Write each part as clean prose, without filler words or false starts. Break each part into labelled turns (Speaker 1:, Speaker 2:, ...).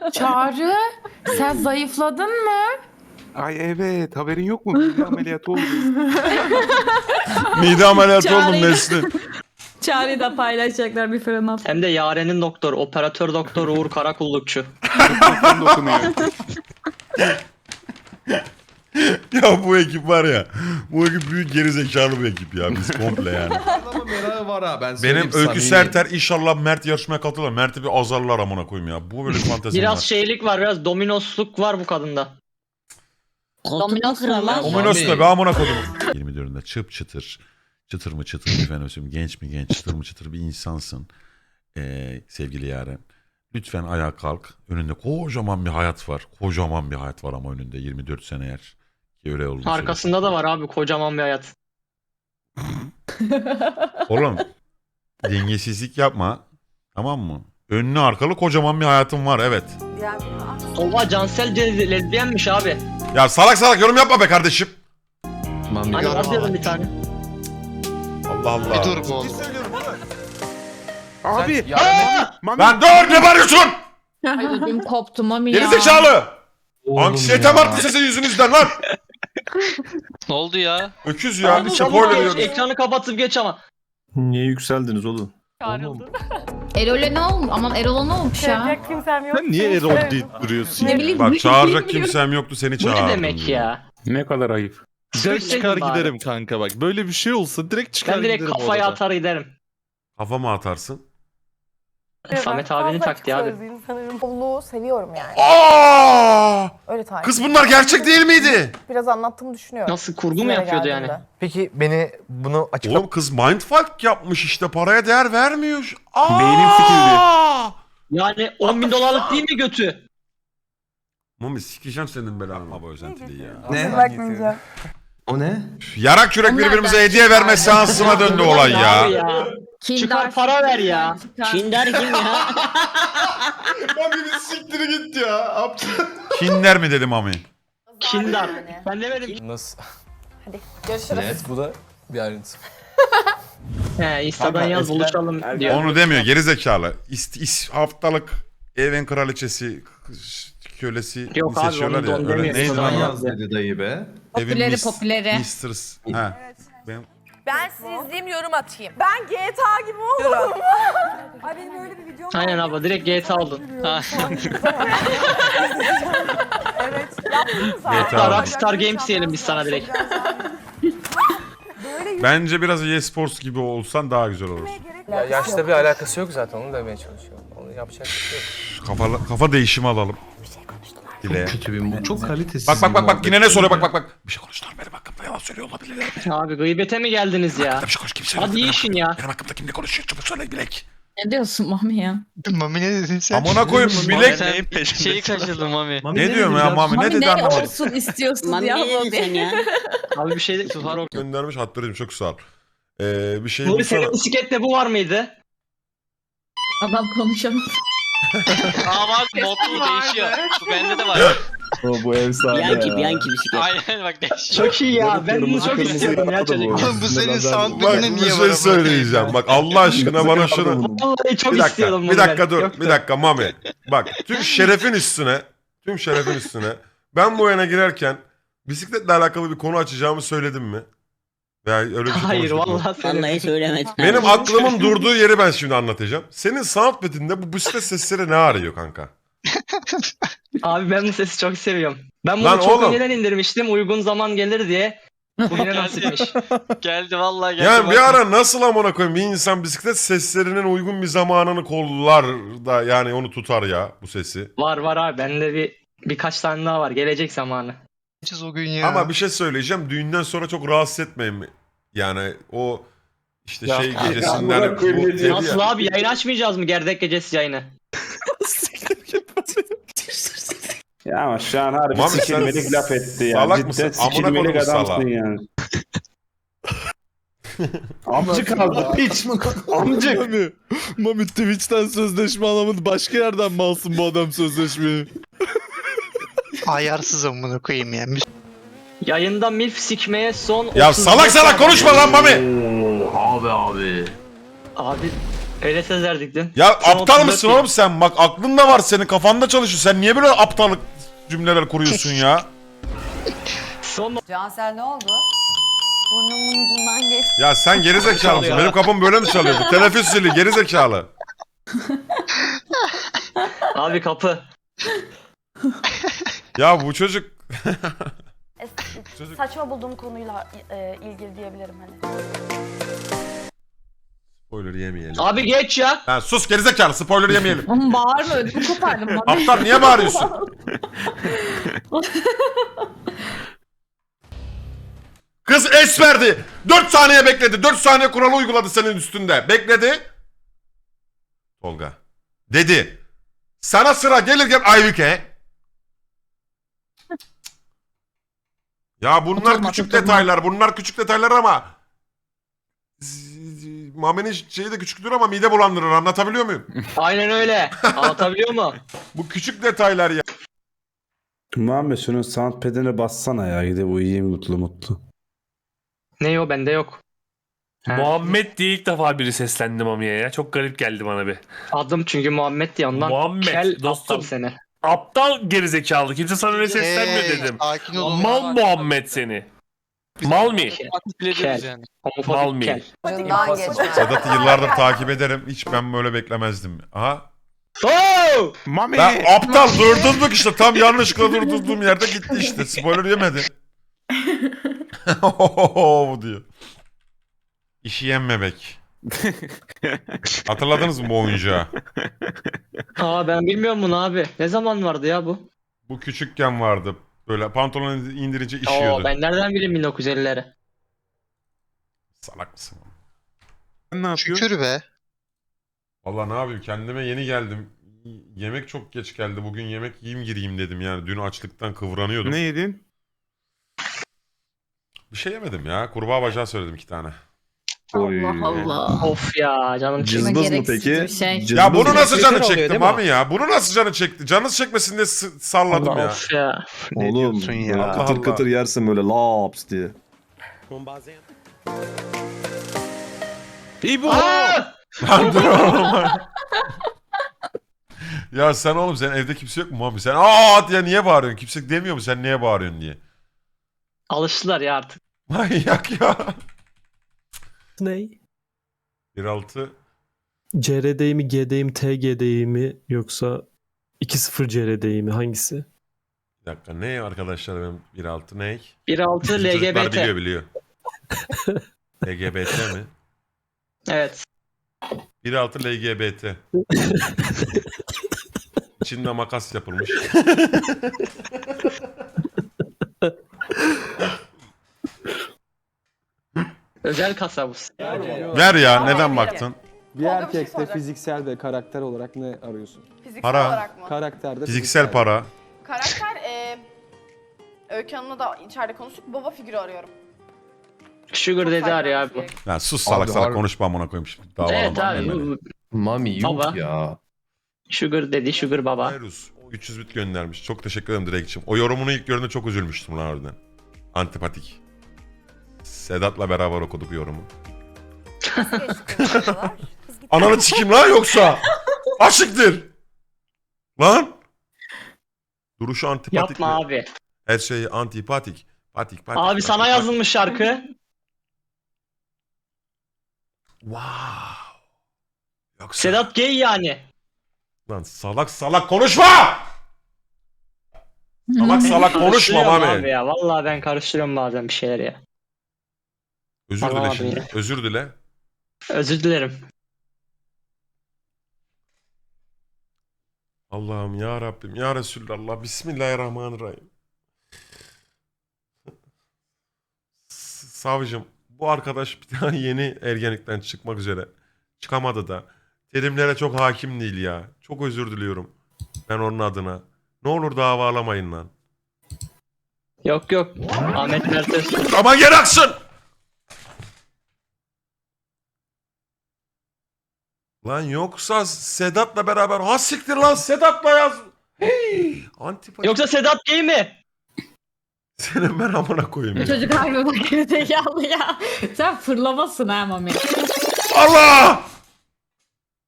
Speaker 1: Çağrı, sen zayıfladın mı?
Speaker 2: Ay evet, haberin yok mu? Mide ameliyatı oldu.
Speaker 3: Mide ameliyatı oldum
Speaker 4: Çağrı'yla-
Speaker 3: Nesli.
Speaker 4: Çağrı'yı da paylaşacaklar bir fırına.
Speaker 5: Hem de Yaren'in doktor, operatör doktor Uğur Karakullukçu.
Speaker 2: Mikrofon dokunuyor.
Speaker 3: Ya bu ekip var ya. Bu ekip büyük gerizekalı bir ekip ya. Biz komple yani.
Speaker 6: Ama merakı var ha ben söyleyeyim.
Speaker 3: Benim Öykü
Speaker 6: samimi.
Speaker 3: Serter inşallah Mert yarışmaya katılır. Mert'i bir azarlar amına koyayım ya. Bu böyle bir fantezim
Speaker 5: Biraz
Speaker 3: var.
Speaker 5: şeylik var, biraz dominosluk var bu kadında.
Speaker 4: Dominos kralı.
Speaker 3: Ominos
Speaker 6: Mami.
Speaker 3: ne be amına koydum. 24'ünde çıp çıtır. Çıtır mı çıtır mı efendim söyleyeyim. Genç mi genç, çıtır mı çıtır bir insansın. Sevgili Yaren. Lütfen ayağa kalk. Önünde kocaman bir hayat var. Kocaman bir hayat var ama önünde 24 sene eğer. Ki öyle olduğunu
Speaker 5: Arkasında da var abi kocaman bir hayat.
Speaker 3: Oğlum dengesizlik yapma. Tamam mı? Önlü arkalı kocaman bir hayatım var evet.
Speaker 5: Oha Cansel lezbiyenmiş abi.
Speaker 3: Ya salak salak yorum yapma be kardeşim.
Speaker 6: Mami.
Speaker 5: Hani var dedim bir tane.
Speaker 3: Allah Allah.
Speaker 7: Bir dur bu oğlum.
Speaker 2: Abi. Mami.
Speaker 3: Lan dur ne bağırıyorsun?
Speaker 4: Ay ödüm koptu Mami ya.
Speaker 3: Gerizekalı. Anksiyetem arttı sizin yüzünüzden lan.
Speaker 7: Ne oldu ya?
Speaker 3: Öküz ya.
Speaker 5: Abi çabuk
Speaker 3: Spoiler
Speaker 5: geç,
Speaker 3: veriyorum.
Speaker 5: ekranı kapatıp geç ama.
Speaker 8: Niye yükseldiniz oğlum?
Speaker 4: Erol'e ne olmuş? Aman Erol'a ne olmuş ya?
Speaker 1: Kimsem yok.
Speaker 8: Sen niye Erol deyip duruyorsun?
Speaker 4: Ne bileyim.
Speaker 3: Bak çağıracak
Speaker 4: bilmiyorum.
Speaker 3: kimsem yoktu seni
Speaker 5: Bu
Speaker 3: çağırdım.
Speaker 5: ne demek ya?
Speaker 2: Ne kadar ayıp.
Speaker 8: Direkt
Speaker 5: Dövseydin
Speaker 8: çıkar
Speaker 5: bari.
Speaker 8: giderim kanka bak. Böyle bir şey olsa direkt çıkar
Speaker 5: Ben direkt
Speaker 8: giderim
Speaker 5: kafaya
Speaker 8: orada.
Speaker 5: atar giderim.
Speaker 3: Kafama atarsın.
Speaker 5: Samet abinin taktiği abi.
Speaker 9: Bolluğu seviyorum yani.
Speaker 3: Aa!
Speaker 9: Öyle tarif.
Speaker 3: Kız bunlar gerçek değil miydi?
Speaker 9: Biraz anlattığımı düşünüyorum.
Speaker 5: Nasıl kurgu mu
Speaker 9: Sıraya
Speaker 5: yapıyordu yani?
Speaker 9: geldiğinde.
Speaker 10: Peki beni bunu açıkla...
Speaker 3: Oğlum kız mindfuck yapmış işte paraya değer vermiyor. Aa!
Speaker 2: Beynim sikildi.
Speaker 5: Yani 10 bin dolarlık değil mi götü?
Speaker 3: Mami sikeceğim senin belanı baba özentiliği ya.
Speaker 6: Ne?
Speaker 9: Bakmayacağım.
Speaker 6: O ne?
Speaker 3: Yarak yürek
Speaker 4: Onlar
Speaker 3: birbirimize
Speaker 4: da-
Speaker 3: hediye verme seansına döndü olay ya.
Speaker 5: Abi ya. Çıkar para ver ya.
Speaker 4: Kinder kim ya?
Speaker 8: Mami bir siktiri git ya.
Speaker 3: Kinder mi dedim Mami?
Speaker 5: Kindar. Ben demedim.
Speaker 10: Nasıl?
Speaker 9: Görüşürüz.
Speaker 6: Ne?
Speaker 10: Bu da bir ayrıntı.
Speaker 5: He Insta'dan
Speaker 2: Kanka,
Speaker 5: yaz
Speaker 2: eskiden-
Speaker 5: buluşalım diyor.
Speaker 3: Onu demiyor gerizekalı. Haftalık evin kraliçesi kölesi
Speaker 5: Yok abi,
Speaker 3: seçiyorlar
Speaker 5: onu
Speaker 3: ya.
Speaker 5: don
Speaker 3: Öyle
Speaker 5: demiyor.
Speaker 3: neydi
Speaker 5: Insta'dan
Speaker 3: lan?
Speaker 5: yaz.
Speaker 6: Yaz dedi dayı be.
Speaker 4: Popüleri, popüleri.
Speaker 3: Mistress. Ha. Ben
Speaker 9: Ben sizi izleyeyim yorum atayım. Ben GTA gibi oldum. Ay benim öyle bir videom var.
Speaker 5: Aynen abi direkt GTA oldun. Ha.
Speaker 9: Evet. Yaptınız abi.
Speaker 3: GTA.
Speaker 5: Rockstar Games diyelim biz sana direkt.
Speaker 3: Bence biraz e-sports gibi olsan daha güzel olur.
Speaker 10: Ya yaşta bir alakası yok zaten onu demeye çalışıyorum. Onu yapacak bir şey yok.
Speaker 3: Kafa değişimi alalım. Dile.
Speaker 6: Kötü bir bu. Çok kalitesiz.
Speaker 3: Bak yine ne soruyor bak. Bir şey konuştular benim hakkımda yalan söylüyor olabilirler.
Speaker 5: Abi gıybete mi geldiniz ya?
Speaker 3: Bir şey konuş kimse.
Speaker 5: Hadi iyi işin ya.
Speaker 3: Benim hakkımda kimle konuşuyor çabuk söyle Bilek.
Speaker 4: Ne diyorsun Mami ya?
Speaker 7: Mami ne dedin sen?
Speaker 3: Amına koyayım Bilek.
Speaker 7: Sen şeyi kaçırdın Mami.
Speaker 3: Ne diyorum ya Mami ne dedi
Speaker 4: ne
Speaker 3: anlamadım.
Speaker 4: olsun istiyorsun
Speaker 11: Mami
Speaker 4: ya
Speaker 11: ne dedin
Speaker 4: Mami?
Speaker 11: sen ya?
Speaker 5: Abi bir şey var o.
Speaker 3: Göndermiş hatırladım çok sağ ol. Bir şey
Speaker 5: Nuri
Speaker 3: bulsana.
Speaker 5: senin bisiklette bu var mıydı?
Speaker 4: Adam konuşamaz.
Speaker 7: Aa bak modlu değişiyor. Bu bende de var.
Speaker 8: Bu efsane
Speaker 11: Bianchi bisiklet.
Speaker 7: Aynen bak değişiyor.
Speaker 5: Çok iyi ya. Ben bunu çok istiyordum ya çocuk.
Speaker 7: Oğlum bu senin
Speaker 3: Bak
Speaker 7: soundpack'ine
Speaker 3: bir
Speaker 7: niye var?
Speaker 3: şey söyleyeceğim. Bak Allah aşkına bana şunu.
Speaker 5: Vallahi çok
Speaker 3: Bir dakika,
Speaker 5: istiyordum bunu
Speaker 3: bir dakika
Speaker 5: ben.
Speaker 3: dur.
Speaker 5: Yoktu.
Speaker 3: Bir dakika Mami. Bak tüm şerefin üstüne ben bu oyuna girerken bisikletle alakalı bir konu açacağımı söyledim mi? Veya öyle bir şey
Speaker 5: Hayır
Speaker 3: konuştuk mu?
Speaker 5: vallahi
Speaker 11: Vallahi
Speaker 5: söylemedim.
Speaker 11: söylemedim.
Speaker 3: Benim aklımın durduğu yeri ben şimdi anlatacağım. Senin soundpad'inde bu bisiklet sesleri ne arıyor kanka?
Speaker 5: Abi ben bu sesi çok seviyorum. Ben bunu
Speaker 3: Lan
Speaker 5: çok
Speaker 3: oğlum.
Speaker 5: önceden indirmiştim. Uygun zaman gelir diye. Bugüne nasipmiş.
Speaker 7: Geldi vallahi geldi.
Speaker 3: Yani
Speaker 7: bak.
Speaker 3: bir ara nasıl amına koyayım bir insan bisiklet seslerinin uygun bir zamanını kollar da yani onu tutar ya bu sesi.
Speaker 5: Var abi. Bende birkaç tane daha var. Gelecek zamanı.
Speaker 7: O gün ya.
Speaker 3: Ama bir şey söyleyeceğim düğünden sonra çok rahatsız etmeyin. Yani o işte
Speaker 8: Ya,
Speaker 3: şey
Speaker 8: ya,
Speaker 3: gecesinden bu dedi ya.
Speaker 5: Nasıl abi? Yayın açmayacağız mı? Gerdek gecesi yayını.
Speaker 8: Ya ama şu an harbi
Speaker 3: Mami sen
Speaker 8: sikilmelik laf etti ya.
Speaker 3: salak
Speaker 8: Cidden
Speaker 3: mısın? Amına
Speaker 8: sikilmelik
Speaker 3: koydum
Speaker 8: adamsın
Speaker 3: salağı.
Speaker 8: yani. Amcık aldı piç. Amcık.
Speaker 12: Mami Twitch'ten sözleşme alamadı. Başka yerden mi alsın bu adam sözleşmeyi?
Speaker 7: Ayarsız amına koyayım ya.
Speaker 5: Yayında milf sikmeye son
Speaker 3: Ya
Speaker 5: 30
Speaker 3: salak salak konuşma lan Mami.
Speaker 6: Abi.
Speaker 5: Abi Öyle söz verdiktin.
Speaker 3: Ya
Speaker 5: Son
Speaker 3: aptal
Speaker 5: 34
Speaker 3: mısın
Speaker 5: gün.
Speaker 3: oğlum sen? Bak aklın da var senin, kafanda çalışıyor. Sen niye böyle aptallık cümleler kuruyorsun ya?
Speaker 5: Son
Speaker 9: Cansel ne oldu?
Speaker 4: Burnumun ucundan geç.
Speaker 3: Ya sen gerizekalı mısın?
Speaker 5: Çalıyor.
Speaker 3: Benim kapım böyle mi çalıyordu? Teneffüs zili gerizekalı.
Speaker 5: abi kapı.
Speaker 3: Ya bu çocuk...
Speaker 9: Saçma bulduğum konuyla ilgili diyebilirim hani.
Speaker 3: Spoiler yemeyelim.
Speaker 5: Abi geç ya.
Speaker 3: Ha, sus gerizekalı, spoiler yemeyelim.
Speaker 1: Ama bağırma, ödümü kopardım.
Speaker 3: Aptal niye bağırıyorsun? Kız es verdi. 4 saniye bekledi. 4 saniye kuralı uyguladı senin üstünde. Bekledi. Tolga. Dedi. Sana sıra gelirken Aybüke. Ya bunlar
Speaker 1: Oturma,
Speaker 3: küçük
Speaker 1: oturma.
Speaker 3: detaylar. Bunlar küçük detaylar ama Mami'nin şeyi de küçüktür ama mide bulandırır. Anlatabiliyor muyum?
Speaker 5: Aynen öyle. Anlatabiliyor mu?
Speaker 3: Bu küçük detaylar ya.
Speaker 12: Muhammed şunun soundpad'ine bassana ya. Gidip uyuyayım mutlu mutlu.
Speaker 5: Ne o bende yok. Ha.
Speaker 10: Muhammed diye ilk defa biri seslendi Mami'ye ya. Çok garip geldi bana bir.
Speaker 5: Adım çünkü Muhammed diye ondan.
Speaker 10: Muhammed,
Speaker 5: Kel
Speaker 10: dostum.
Speaker 5: aptal seni.
Speaker 10: Aptal gerizekalı. Kimse sana öyle seslenmiyor dedim.
Speaker 7: Sakin olun.
Speaker 10: Mal Muhammed seni. Mal mi?
Speaker 5: Kel.
Speaker 10: Mal
Speaker 5: Homofobik
Speaker 10: mi?
Speaker 5: kel.
Speaker 9: Ucundan geçmez.
Speaker 3: Sedat'ı yıllardır takip ederim. Hiç ben böyle beklemezdim. Aha.
Speaker 5: Oh!
Speaker 2: Mami.
Speaker 3: Ben aptal durdurduk işte. Tam yanlışlıkla durdurduğum yerde gitti işte. Spoiler yemedi. Bu diyor. İşi yenmemek. Hatırladınız mı bu oyuncağı?
Speaker 5: Aa ben bilmiyorum bunu abi. Ne zaman vardı ya bu?
Speaker 3: Bu küçükken vardı. Böyle pantolonu indirince
Speaker 5: Oo
Speaker 3: işiyordu.
Speaker 5: ben nereden bileyim 1950'leri?
Speaker 3: Salak mısın?
Speaker 2: Sen ne yapıyorsun?
Speaker 7: Şükür be.
Speaker 3: Valla ne yapayım, kendime yeni geldim. Yemek çok geç geldi. Bugün yemek yiyeyim gireyim dedim yani. Dün açlıktan kıvranıyordum.
Speaker 2: Ne yedin?
Speaker 3: Bir şey yemedim ya. Kurbağa bacağı söyledim 2 tane.
Speaker 1: Allah Allah.
Speaker 5: Of ya canım çekti.
Speaker 12: Cızbız mı
Speaker 4: gereksiz
Speaker 12: peki?
Speaker 4: bir şey.
Speaker 12: Cızbız
Speaker 3: Ya bunu
Speaker 12: mı?
Speaker 3: nasıl canı
Speaker 10: oluyor,
Speaker 3: çekti
Speaker 10: değil mi?
Speaker 3: abi ya? Bunu nasıl canı çekti? Canınız çekmesin diye salladım ya.
Speaker 5: Of ya.
Speaker 8: Ne diyorsun ya?
Speaker 12: Böyle
Speaker 3: Allah
Speaker 12: kıtır
Speaker 3: Allah.
Speaker 12: kıtır yersin böyle laps diye.
Speaker 10: İyi bu.
Speaker 3: Lan dur oğlum. Ya sen oğlum, sen evde kimse yok mu abi? Sen aa diye niye bağırıyorsun? Kimse demiyor mu sen niye bağırıyorsun diye?
Speaker 5: Alıştılar ya artık.
Speaker 3: Manyak ya.
Speaker 11: Ne?
Speaker 3: 1.6
Speaker 11: CRD'yi mi, GD'yi mi, TGD'yi mi yoksa 2.0 CRD'yi mi hangisi?
Speaker 3: bir dakika ne arkadaşlar, benim 1.6 ne?
Speaker 5: 1.6
Speaker 3: Bizim çocuklar
Speaker 5: LGBT.
Speaker 3: biliyor. LGBT mi?
Speaker 5: Evet.
Speaker 3: 1.6 LGBT. İçinde makas yapılmış.
Speaker 5: Özel kasa bu.
Speaker 3: Ver ya, neden baktın?
Speaker 9: Bir erkekte
Speaker 11: fiziksel ve karakter olarak ne arıyorsun?
Speaker 9: Fiziksel
Speaker 3: Para.
Speaker 9: olarak mı?
Speaker 11: Karakterde
Speaker 3: Fiziksel para.
Speaker 9: Karakter Öykü Hanım'la da içeride konuştuk. Baba figürü arıyorum.
Speaker 5: Sugar
Speaker 9: Çok
Speaker 5: dedi
Speaker 9: saygılı
Speaker 5: arıyor
Speaker 9: bir
Speaker 5: abi bu.
Speaker 9: şey.
Speaker 3: Ya sus salak
Speaker 6: Abi,
Speaker 3: salak
Speaker 6: harbi-
Speaker 3: konuşma amına koyayım şimdi. Dava
Speaker 5: Evet
Speaker 3: alamam
Speaker 5: abi.
Speaker 3: ben beni.
Speaker 6: Mami yok
Speaker 5: Baba.
Speaker 6: ya.
Speaker 5: Sugar dedi Sugar baba.
Speaker 3: Virus 300 bit göndermiş. Çok teşekkür ederim Direk'ciğim. O yorumunu ilk gördüğümde çok üzülmüştüm lan harbiden. Antipatik. Sedat'la beraber okuduk yorumu.
Speaker 9: Nasıl geçti konuşmalar?
Speaker 3: Ananı çikim lan yoksa. Aşıktır. Lan. Duruşu antipatik.
Speaker 5: Yapma
Speaker 3: mi?
Speaker 5: abi.
Speaker 3: Her şeyi antipatik. Patik patik.
Speaker 5: Abi
Speaker 3: patik,
Speaker 5: sana
Speaker 3: patik.
Speaker 5: yazılmış şarkı.
Speaker 3: Wow. Yoksa.
Speaker 5: Sedat gay yani.
Speaker 3: Lan salak salak konuşma. Salak salak konuşma
Speaker 5: Karıştırıyorum abi
Speaker 3: Mami.
Speaker 5: ya. Vallahi ben karıştırıyorum bazen bir şeyler ya.
Speaker 3: Özür dile
Speaker 5: Anlamadım
Speaker 3: şimdi.
Speaker 5: ya.
Speaker 3: Özür dile.
Speaker 5: Özür dilerim.
Speaker 3: Allah'ım ya Rabbim ya Resulallah. Bismillahirrahmanirrahim. Savcım, bu arkadaş bir tane yeni ergenlikten çıkmak üzere. Çıkamadı da. Terimlere çok hakim değil ya. Çok özür diliyorum. Ben onun adına. Ne olur davalamayın lan.
Speaker 5: Yok yok. Ahmet Mertes.
Speaker 3: Ama gel aksın. Lan yoksa Sedat'la beraber. Ha siktir lan, Sedat'la yaz. Hey, antipatik.
Speaker 5: Yoksa Sedat gay mi?
Speaker 3: Senin ben amına koyayım ya.
Speaker 1: Çocuk harbi bak zekalı ya. Sen fırlamasın ha Mami.
Speaker 3: Allah!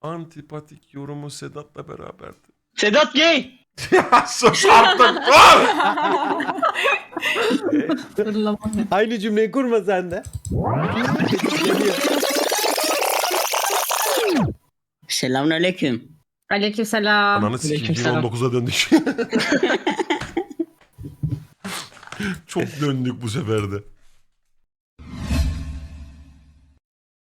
Speaker 3: Antipatik yorumu Sedat'la beraberdi.
Speaker 5: Sedat gay.
Speaker 3: Ya sus artık.
Speaker 12: Aynı cümleyi kurma sen de.
Speaker 9: Selamünaleyküm.
Speaker 4: Aleykümselam.
Speaker 3: Ananı sikim
Speaker 5: Aleykümselam.
Speaker 3: 2019'a döndük. Çok döndük bu sefer de.